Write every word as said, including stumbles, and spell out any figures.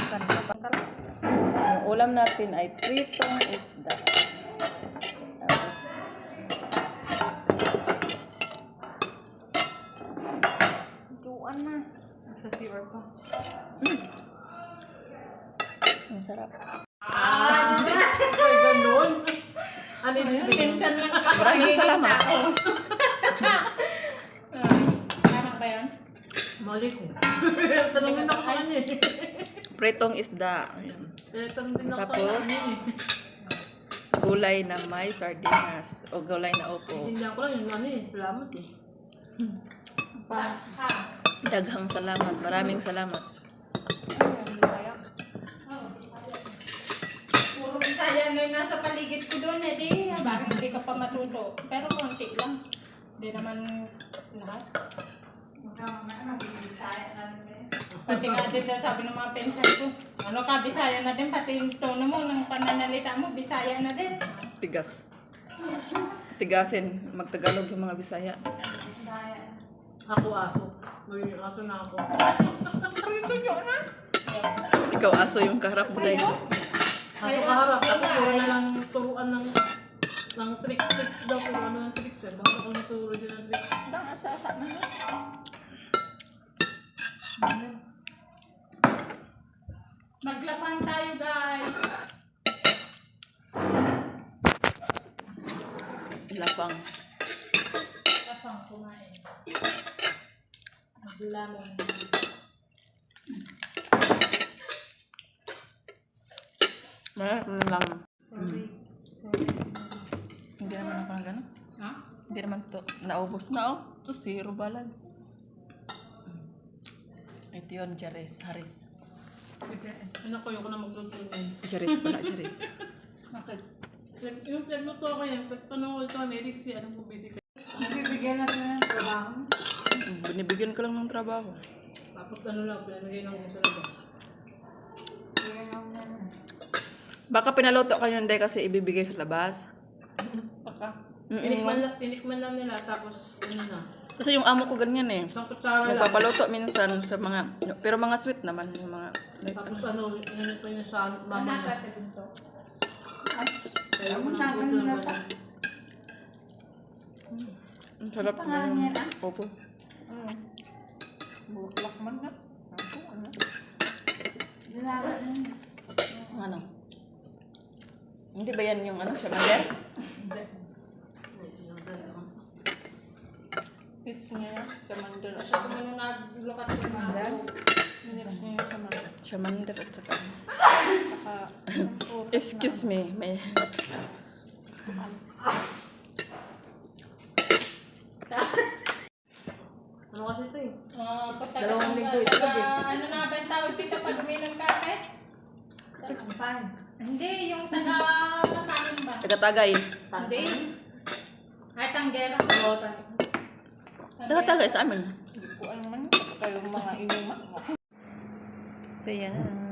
Yung ulam natin ay pritong isda. Tapos, Juan na. Sa C R pa. mm. Ang sarap. Ah, ay ganun. Ano yung pinsan lang. Maraming salamat. Tama ba yan? Mali ko. Tanongin ako sa kanya eh. Pritong isda. Ayan. Tanong din ako Tapos, sa kanya eh. gulay na may sardinas o gulay na opo. Hindi ako lang yung ano eh. Salamat eh. Daghang salamat. Maraming salamat. Puro Bisaya na yung nasa paligid ko doon eh, di, bakit hindi ka pa matuto? Pero konti lang. Hindi naman lahat. Pati nga din na sabi ng mga pensan ko, ano ka, Bisaya na din, pati yung tono mo, ng pananalita mo, Bisaya na din. Tigas. Tigasin. Magtagalog yung mga Bisaya. Ako aso. May aso na ako. Ito yun ha? Ikaw aso yung kaharap mo dahil. Aso kaharap. Ako puro na lang turuan ng ng tricks, tricks daw. Puro ano ng tricks eh. Bakit ako naturo din ng tricks? Dang asa-asa na yun. Maglapang tayo guys. Lapang. Lapang kumain. Maglamang. Meron lang. Sorry. Mm. Sorry. Hindi naman ako na gano'n. Ha? Hindi naman to. Naubos na oh. To zero balance. Ito yun, Charis. Haris. Ano ko yung ko na magluto niyan. Charis pala, Charis. Bakit? Yung- Yung nagluto ako yan. Tanong ulit kami, Eric, si anong busy ka? Nabibigyan natin ng trabaho. Binibigyan ko lang ng trabaho. Tapos ano lang, pinamigay lang ko sa labas. Baka pinaluto ka yun dahil kasi ibibigay sa labas. Baka. Tinikman Mm-mm. lang, tinikman lang nila, tapos ano na. Kasi yung amo ko ganyan eh. Isang kutsara lang. Nagpapaluto minsan sa mga, pero mga sweet naman. Yung mga, Tapos ano, inanit pa niya sa mama niya. Nakakatabi to. Kaya ako nang gusto ng bata. ang sarap. Pangalan niya na? Opo. Ano? Buklak man na. Ako, ano? Dalawa na. Ano? Hindi ba yan yung ano, shamander? Hindi. Fix niya yan. Kamandal. Siya kung ano naglukat ko na ako. Minix niya yung kamandal. Shamander at saka. Saka, Excuse me. May... Ano kasi ito eh? Ah, pagtagal Dalawang ng linggo ito, taga- gabi. ano na ba yung tawag dito pag uminom kape? Hindi, yung taga kasanin ba? Tagatagay. Hindi. Ay, tanggera. Tagatagay sa amin. Hindi ko alam man. Kayong mga inuman. So yan.